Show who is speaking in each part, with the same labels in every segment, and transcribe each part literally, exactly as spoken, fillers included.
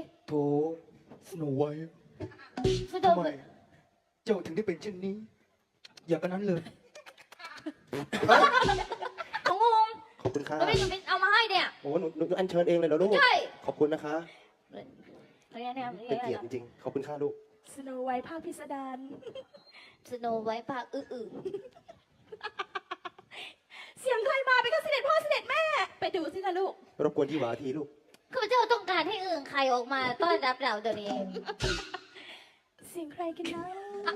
Speaker 1: โถสโนไวท์
Speaker 2: สโน
Speaker 1: ทำไม
Speaker 2: ไวท์
Speaker 1: เจ้าถึงได้เป็นเช่นนี้ อย่างนั้นเลย
Speaker 2: ของงง
Speaker 3: ขอบคุณค่ะ
Speaker 2: แล้วไม่หนูเป็นเอามาให้เนี่ย
Speaker 3: โอ้หนูหนูอัญเชิญเองเลยเหรอลูก
Speaker 2: ใช่
Speaker 3: ขอบคุณนะคะ
Speaker 2: เขาเรียกเนี่ย
Speaker 3: เป็นเกียรติจริงๆ ขอบคุณค่ะลูก
Speaker 4: สโนไวท์ภาคพิสดาร
Speaker 2: สโนไวท์ภาคอื้อ
Speaker 4: เสียงใครมาเป็นก็เสด็จพ่อเสด็จแม่ ไปดูสิคะลูก
Speaker 3: รบกวนที่หวาทีลูก
Speaker 2: ๆข้าพเจ้าต้องการให้อื่นใครออกมาต้อนรับเราเดี๋ยวนี้
Speaker 4: เสียงใครกันนะ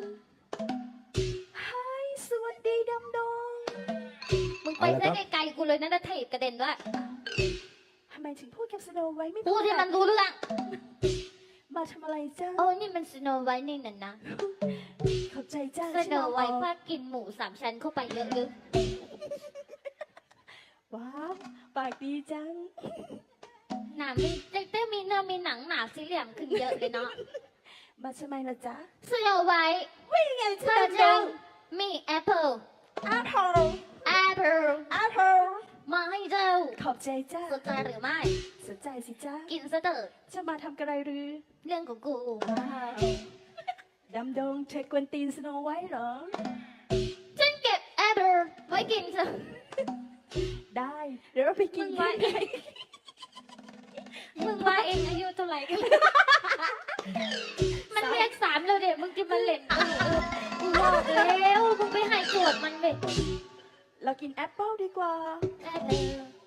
Speaker 4: ไฮสวัสดีดำดง
Speaker 2: มึงไปได้ไกลๆกูเลยนะนะเทศกระเด็นด้วย
Speaker 4: ทำไมถึงพูดกับสโนไวท์ไม่
Speaker 2: พูดให้มันรู้เรื่อง
Speaker 4: มาทำอะไรจ้า
Speaker 2: โอ้นี่มันสโนไวท์นี่น่ะนะ
Speaker 4: ขอบใจจ้า
Speaker 2: สโนไวท์ภาคกินหมูสามชั้นเข้าไปเยอะๆ
Speaker 4: ว้าวปากดีจัง
Speaker 2: หนามีแต่มีเนื้อมีหนังหนาสีเหลี่ยมขึ้นเยอะเลยเนาะ
Speaker 4: มาทำไมล่ะจ๊ะ
Speaker 2: สโนไวท์
Speaker 4: วิ่งไง
Speaker 2: ข้า
Speaker 4: จ้า
Speaker 2: พเจ้ามีแอปเปิล
Speaker 4: แอปเปิล
Speaker 2: แอปเปิล
Speaker 4: แอปเปิล
Speaker 2: มาให้เจ้า
Speaker 4: ขอบใจจ้า
Speaker 2: สนใจหรือไม่
Speaker 4: สนใจสิจ้า
Speaker 2: กินซะเถอะ
Speaker 4: จะมาทำกระไรหรือ
Speaker 2: เรื่องของกู
Speaker 4: ว้าวดำดงเธอกวนตีนสโนไวท์เหรอ
Speaker 2: ฉันเก็บแอปเปิลไว้กินซะ
Speaker 4: ได้ เดี๋ยวเราไปกิ
Speaker 2: มึ
Speaker 4: น
Speaker 2: ง
Speaker 4: กั
Speaker 2: ว่าน เองมึงว่าเองอายุเท่าไหร่กัน มันเรียกสามแล้วเด็กมึงจะมาเล่นกูกูบอกแล้วมึงไปให้โจทย์มันเว้ย
Speaker 4: เรากินแอปเปิลดีกว่า
Speaker 2: แอปเปิล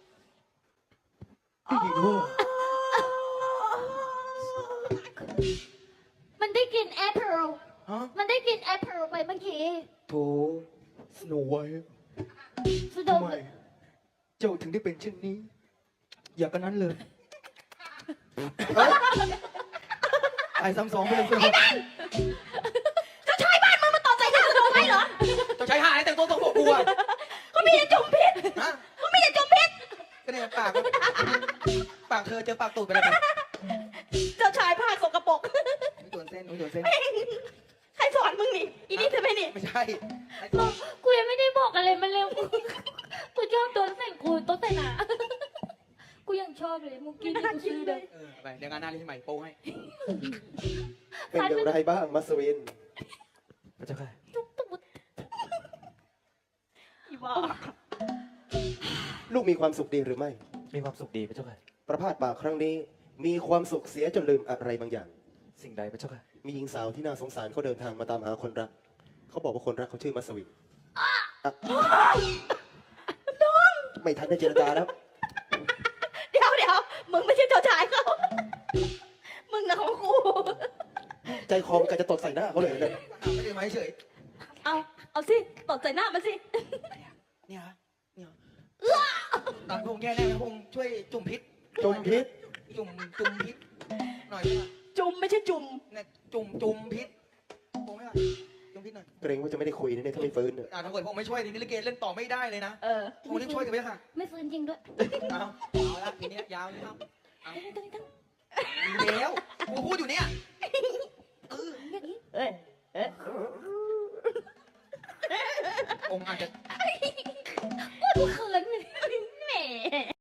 Speaker 1: พี่หญิงว่า
Speaker 2: มันได้กินแอปเปิล
Speaker 1: ฮะ
Speaker 2: มันได้กินแอปเปิลไปเมื่อกี้
Speaker 1: โถสโนไวท์
Speaker 2: สุด
Speaker 1: ทำไม เจ้าถึงได้เป็นเช่นนี้ อย่างนั้นเลยไอ้ซ้ำสองไปเลยสิ
Speaker 4: จะใช้บ้านมึงมาต่อใจหน้าสโนไวท์เหรอ
Speaker 1: จะใช้หาอะไรแต่งตัวตรงปกกูอะ
Speaker 4: เขามีแต่จุ่มพิษ
Speaker 1: ฮะ
Speaker 4: เขามีแต่จุ่มพิษ
Speaker 1: ก็เนี่ยปากอะปากเธอเจอปากตูดไปเลยไป
Speaker 4: เจ้าชายผ้าสกปรก
Speaker 1: หนูโดนเส้นหนูโดนเส้น
Speaker 4: ใครสอนมึงนี่ อีนี่เธอไหมนี่
Speaker 1: ไม่ใช่ไอ้
Speaker 2: บอกกูยังไม่ได้บอกอะไรมันเลยกูชอบโดนใส่กูโต๊ะแต่หนากูยังชอบเลยมึงกินกูซื้อเลย
Speaker 1: เออไปเดี๋ยวงานหน้าเรียนใหม่โป้ให้
Speaker 3: เป็นอย่างไรบ้างมัสวิน
Speaker 1: พระเจ้าค่ะ
Speaker 4: อีบ้า
Speaker 3: ลูกมีความสุขดีหรือไม่
Speaker 1: มีความสุขดีพระเจ้าค่ะ
Speaker 3: ประพาสป่าครั้งนี้ มีความสุขเสียจนลืมอะไรบางอย่าง
Speaker 1: สิ่งใดพระเจ้าค่ะ
Speaker 3: มีหญิงสาวที่น่าสงสารเขาเดินทางมาตามหาคนรัก เขาบอกว่าคนรักเขาชื่อมัสวินอ่ะไม่ทันได้เจรจาแล้ว
Speaker 4: เดี๋ยวเดี๋ยวมึงไม่ใช่เจ้าชายเขา มึงนะของกู
Speaker 3: ใจคอมนกะจะตดใส่หน้าเขาเลยเนี่ย
Speaker 1: ไม่ได้ไหมเฉย
Speaker 4: เอา เอาสิตดใส่หน้ามันสิ
Speaker 1: เนี่ยฮะเนี่ยตอนพงแย่แน่พงช่วยจุ่มพิษ
Speaker 3: จมพิษ
Speaker 1: จุ่มจุ่มพิษหน่อยได้ไหม
Speaker 4: จุ่มไม่ใช่จุ่ม
Speaker 1: เนี่ยจุ่มจุ่มพิษพงไม่ไหวจุ่มพิษหน่อย
Speaker 3: เกรงว่าจะไม่ได้คุยนะเนี่ยถ้าไม่ฟื้นเนี่ย
Speaker 1: อ่าถ้าเกิดพงไม่ช่วยนี่ลิเกเล่นต่อไม่ได้เลยนะ
Speaker 4: เออ
Speaker 1: พงรีบช่วยกันไปค่ะ
Speaker 2: ไม่ฟื้นจริงด้วย
Speaker 1: เอาเอาละทีนี้ยาวเลยครับเอาเดี๋ยวกูพูดอยู่เนี่ยเออ
Speaker 4: เอ้ย เอ้ย
Speaker 1: องค์อาจจะ
Speaker 2: กูเขินเลย